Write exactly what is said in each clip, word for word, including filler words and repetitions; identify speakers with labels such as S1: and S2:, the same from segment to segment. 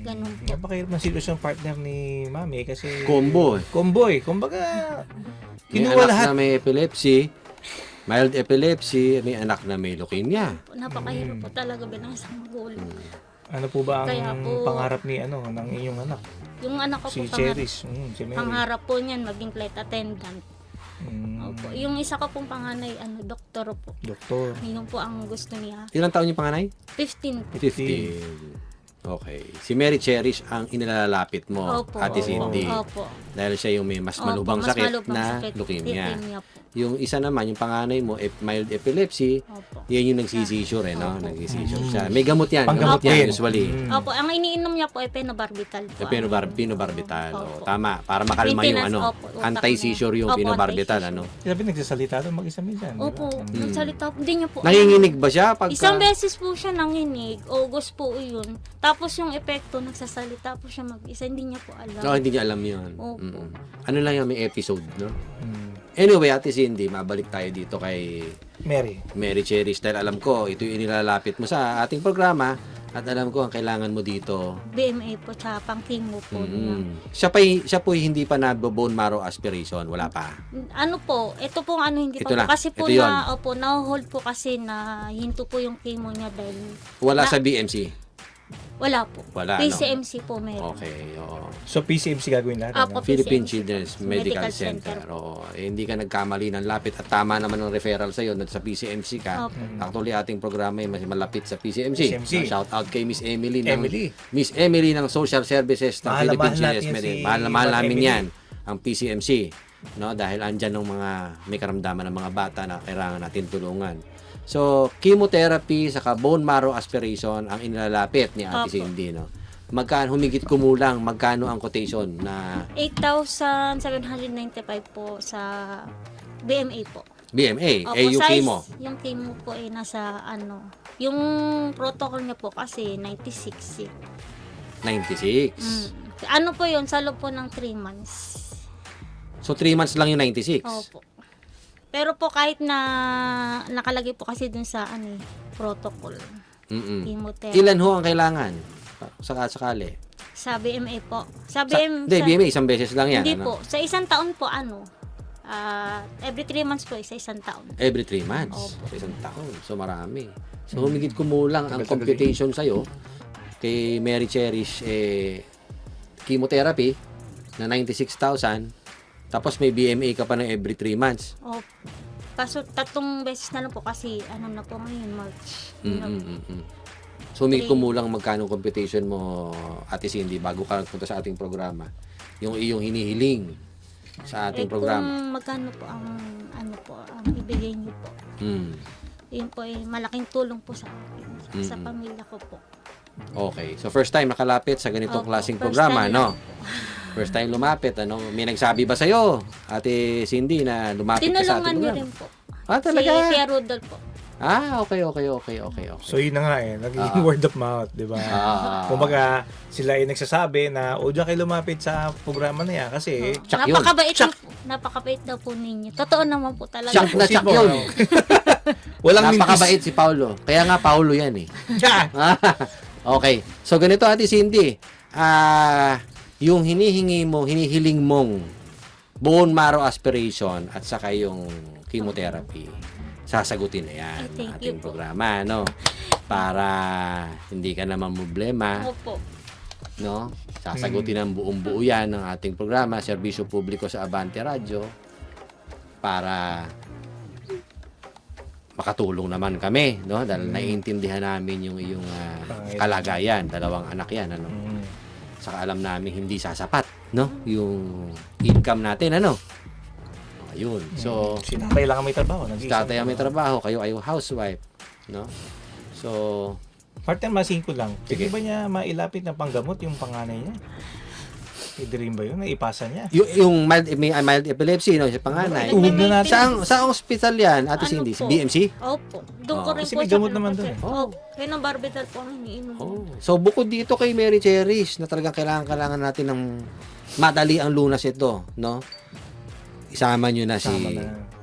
S1: Ganun po.
S2: Napakahirap ng sitwasyon partner ni Mami kasi
S3: Combo eh.
S2: Combo eh. Kumbaga,
S3: May
S2: kinuha
S3: anak
S2: lahat.
S3: na may epilepsy, mild epilepsy, may anak na may leukemia.
S1: Napakahirap po talaga bilang isang magulang.
S2: Ano po ba ang
S1: Kaya po-
S2: pangarap ni ano ng inyong anak?
S1: Yung anak ko
S2: Si
S1: po, pangarap,
S2: Cherish. Mm, si Mary.
S1: pangarap po niyan maging flight attendant.
S2: Mm,
S1: Opo. Yung isa ko pong panganay, ano, doktor po.
S2: doktor.
S1: Yun po ang gusto niya.
S3: Ilang taon yung panganay?
S1: fifteen po.
S3: fifteen. Okay. Si Mary Cherish ang inilalapit mo,
S1: Opo.
S3: Ate
S1: opo,
S3: Cindy.
S1: Opo.
S3: Dahil siya yung may mas
S1: Opo,
S3: malubang
S1: mas
S3: sakit
S1: malubang
S3: na
S1: sakit,
S3: leukemia.
S1: leukemia po.
S3: Yung isa naman, yung panganay mo, ep- mild epilepsy,
S1: Opo.
S3: yan yung nagsisisure eh, no?
S1: Opo.
S3: Nagsisisure siya. May gamot yan.
S2: Panggamot
S3: Gamot yan,
S2: din.
S3: usually.
S2: Mm.
S1: Opo, ang iniinom niya po ay phenobarbital po.
S3: Yung pinobar- pinobarbital.
S1: Opo.
S3: Oh, tama. Para makalma yung
S1: Maintenance,
S3: ano.
S1: opo, utak
S3: Anti-seizure
S1: niya.
S3: yung
S1: Opo,
S3: pinobarbital,
S1: anti-seizure.
S3: ano.
S2: Sabi nagsasalita doon mag-isa minsan. di ba?
S1: Opo,
S3: Hmm.
S1: nagsalita po. Hindi niya po.
S3: Nanginginig ba siya? Pagka...
S1: Isang beses po siya nanginig. August po yun. Tapos yung epekto, nagsasalita po siya mag-isa. Hindi niya po alam.
S3: Oo, hindi niya alam yun.
S1: Opo.
S3: Mm-mm. Ano lang yan, may episode, no?
S2: Mm.
S3: Anyway, Ate Cindy, mabalik tayo dito kay
S2: Mary.
S3: Mary Cherish. Dahil alam ko, ito yung inilalapit mo sa ating programa at alam ko ang kailangan mo dito.
S1: B M A po, tsaka pang chemo po niya.
S3: Mm. Siya pa siya po hindi pa na bone marrow aspiration, wala pa.
S1: Ano po, ito pong ano hindi
S3: Ito
S1: pa
S3: na,
S1: po. Kasi po
S3: ito yun.
S1: na, opo, na-hold po kasi na hinto po yung chemo niya dahil
S3: Wala
S1: Na-
S3: sa B M C.
S1: wala po.
S3: Wala,
S1: P
S3: no?
S1: C M C po meron.
S3: Okay, oo.
S2: So P C M C gagawin lahat.
S1: Apo.
S2: ano?
S3: Philippine
S1: P C M C
S3: Children's
S1: po.
S3: Medical,
S1: Medical
S3: Center.
S1: Center.
S3: Oo. Eh, hindi ka nagkamali ng lapit at tama naman ng referral sa iyo sa P C M C ka.
S1: Opo.
S3: Actually, ating programa ay mas malapit sa P C M C.
S2: P C M C.
S3: Shout out kay Miss Emily ng
S2: Emily.
S3: Miss Emily ng Social Services ng
S2: Mahal na
S3: Philippine
S2: mahal
S3: Children's
S2: natin
S3: Medical.
S2: si
S3: Mahal na mahal
S2: Ma'am
S3: namin
S2: Emily.
S3: 'yan ang P C M C, no? Dahil andyan ng mga may karamdaman ng mga bata na kailangan natin tulungan. So, chemotherapy saka bone marrow aspiration ang inilalapit ni Ate
S1: Opo.
S3: Cindy, no? Magkano humigit kumulang, magkano ang quotation na
S1: eight thousand seven hundred ninety-five po sa B M A po.
S3: B M A,
S1: Opo,
S3: eh yung
S1: size,
S3: chemo,
S1: yung chemo po ay nasa ano, yung protocol niya po kasi ninety-six eh.
S3: ninety-six.
S1: Mm. Ano po yun, sa loob po ng three months.
S3: So, three months lang yung ninety-six.
S1: Opo. Pero po kahit na nakalagay po kasi dun sa ano eh, protocol,
S3: Mm-mm.
S1: chemotherapy.
S3: Ilan ho ang kailangan? Saka-sakali.
S1: Sa B M A po. Sa B
S3: Sa,
S1: M
S3: hindi,
S1: sa-
S3: B M A, isang beses lang yan.
S1: Hindi
S3: ano?
S1: po. Sa isang taon po ano, ah, every three months po, isa isang taon.
S3: Every three months.
S1: Opo.
S3: Sa isang taon. So, marami. So, humigit kumulang ang
S2: Tagal-tagal
S3: computation sa'yo kay Mary Cherish, eh, chemotherapy na ninety-six thousand. Tapos may B M A ka pa ng every three months.
S1: Opo. Kaso tatlong beses na lang po kasi ano na po ngayon, March.
S3: Mm, mm, mm, mm. So, humigit kumulang magkano computation mo, Ate Cindy, bago ka nagpunta sa ating programa. Yung iyong hinihiling sa ating
S1: Eh,
S3: programa.
S1: kung magkano po ang ano po, ang ibigay niyo po.
S3: Mm.
S1: Yun po ay malaking tulong po sa akin, sa
S3: Mm-mm.
S1: pamilya ko po.
S3: Okay. So, first time nakalapit sa ganitong
S1: Opo,
S3: klaseng
S1: first
S3: programa,
S1: time
S3: no?
S1: lang po.
S3: First time lumapit, ano? May nagsabi ba sa'yo, Ate Cindy, na lumapit ka sa
S1: Tinulungan
S3: ating
S1: niyo
S3: programa?
S1: rin po.
S3: Ah,
S1: Si
S3: talaga?
S1: Tia Rudolph po.
S3: Ah, okay, okay, okay, okay, okay.
S2: So yun na nga eh, naging
S3: Ah.
S2: word of mouth, di ba?
S3: Ah.
S2: Kumbaga, sila ay nagsasabi na o diyan kayo lumapit sa programa na yan kasi
S3: Tsak yun.
S1: Napakabait
S2: Tsak.
S1: niyo po. Napakabait daw po ninyo. Totoo naman po talaga.
S3: Tsak na tsak
S2: Imposible,
S3: yun.
S2: no? walang
S3: Napakabait si Paulo. Kaya nga, Paulo yan eh.
S2: Tsak!
S3: Okay. So, ganito, Ate Cindy. Ah, yung hinihingi mo, hinihiling mong bone marrow aspiration at saka yung chemotherapy, sasagutin na yan
S1: Ay,
S3: ng
S1: thank
S3: ating
S1: you po.
S3: programa, no? Para hindi ka naman problema,
S1: Opo.
S3: no? Sasagutin ng buong buo yan ng ating programa, serbisyo publiko sa Abante Radio, para makatulong naman kami, no? Dahil naiintindihan namin yung iyong ah,
S2: Pangailangan.
S3: kalagayan, dalawang anak yan, ano?
S2: Mm.
S3: Saka alam namin hindi sasapat, no? Yung income natin, ano? Ayun. So,
S2: Si tatay lang ang may trabaho.
S3: si
S2: nag-iisang
S3: tatay ang may trabaho, kayo ay housewife, no? So,
S2: Partner, masin ko lang.
S3: Sige.
S2: Sige ba niya mailapit ng panggamot yung panganay niya? Pwede rin ba yun? Naipasa niya?
S3: yung, yung mild, may mild epilepsy, no? Sa panganay.
S2: Tuhog na natin.
S3: Saan, sa hospital yan, Ate
S1: Ano
S3: Cindy? Sa
S1: po?
S3: B M C?
S1: Opo. Doon ko
S3: Oh.
S1: rin
S2: Kasi
S1: po
S2: may
S1: siya
S2: gamot naman
S1: pinapasya.
S2: doon eh.
S1: Oo. Kaya ng barbital po ang iniinom.
S3: Oh. So, bukod dito kay Mary Cherish, na talagang kailangan-kailangan natin ng madali ang lunas ito, no? Isama nyo na si
S2: Sama na.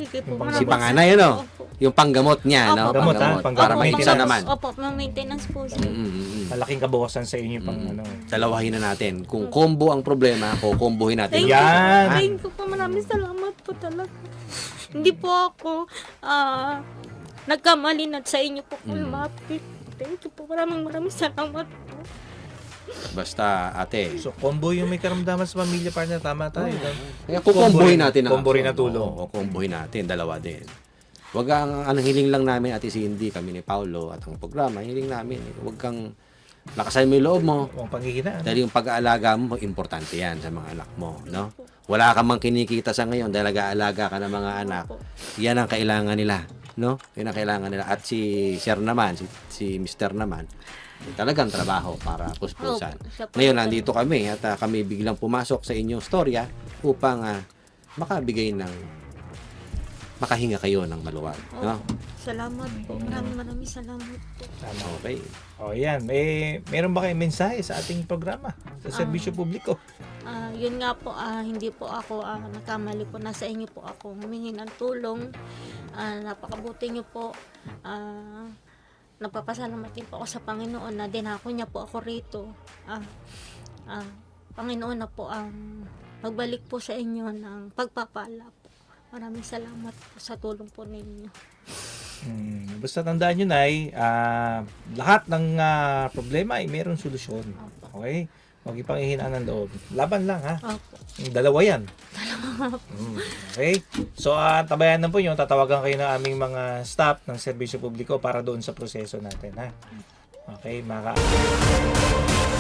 S1: Sige po.
S2: Yung
S1: maraming
S3: Si panganay, ano?
S1: Opo.
S3: Yung panggamot niya,
S1: Opo,
S3: no?
S2: panggamot, ah,
S3: Panggamot.
S2: panggamot.
S3: Para may
S2: Maintenance.
S3: isa naman.
S1: Opo, may maintenance po siya.
S3: Mm, mm, mm.
S2: Malaking kabukasan sa inyo pang
S3: Mm.
S2: ano.
S3: Dalawahin na natin. Kung combo ang problema, kukombohin natin.
S1: Thank
S3: yung
S2: Yan.
S1: you.
S3: problema.
S1: Thank you po. Maraming salamat po talaga. Hindi po ako ah nagkamali na sa inyo po kung
S3: Mm.
S1: lumapit. Thank you po. Maraming maraming salamat po.
S3: Basta, ate.
S2: So, combo yung may karamdaman sa pamilya partner. Tama tayo.
S3: Kaya kukombohin natin ang
S2: Combo rin na
S3: action.
S2: tulong.
S3: Oo, kukombohin natin. Dalawa din. Wag ang, ang hiling lang namin, Ate Cindy, kami ni Paulo, at ang programa, hiling namin. eh, Wag kang lakasan mo yung loob mo.
S2: Ang panghihinaan.
S3: Dahil yung pag-aalaga mo, importante yan sa mga anak mo. No? Wala ka mang kinikita sa ngayon dahil nag-aalaga ka ng mga anak.
S1: Opo.
S3: Yan ang kailangan nila. No? Yan ang kailangan nila. At si Sir naman, si, si Mister naman, talagang trabaho para puspusan.
S1: Opo, siya po
S3: Ngayon,
S1: yung-
S3: nandito kami at ah, kami biglang pumasok sa inyong storya upang ah, makabigay ng makahinga kayo ng maluwag. No?
S1: Opo. Salamat po. Maraming maraming salamat po.
S2: Tama.
S3: Okay.
S2: O yan. Eh, meron ba kayong mensahe sa ating programa? Sa serbisyo publiko?
S1: Ah, yun nga po, ah, hindi po ako ah, nagkamali po. Nasa inyo po ako humingi ng tulong. Ah, napakabuti niyo po. Ah, nagpapasalamat din po ako sa Panginoon na dinako niya po ako rito. Ah, ah, Panginoon na po ang magbalik po sa inyo ng pagpapala po. Maraming salamat po sa tulong po ninyo.
S2: Hmm, basta tandaan nyo, Nay, ah, lahat ng ah, problema ay mayroong solusyon.
S1: Opo.
S2: Okay? Huwag ipang ihinaan ng loob. Laban lang, ha?
S1: Opo.
S2: Yung Dalawa yan. Mm, okay? So, ah, tabayan na po nyo. Tatawagan kayo ng aming mga staff ng serbisyo publiko para doon sa proseso natin, ha? Okay, mga ka-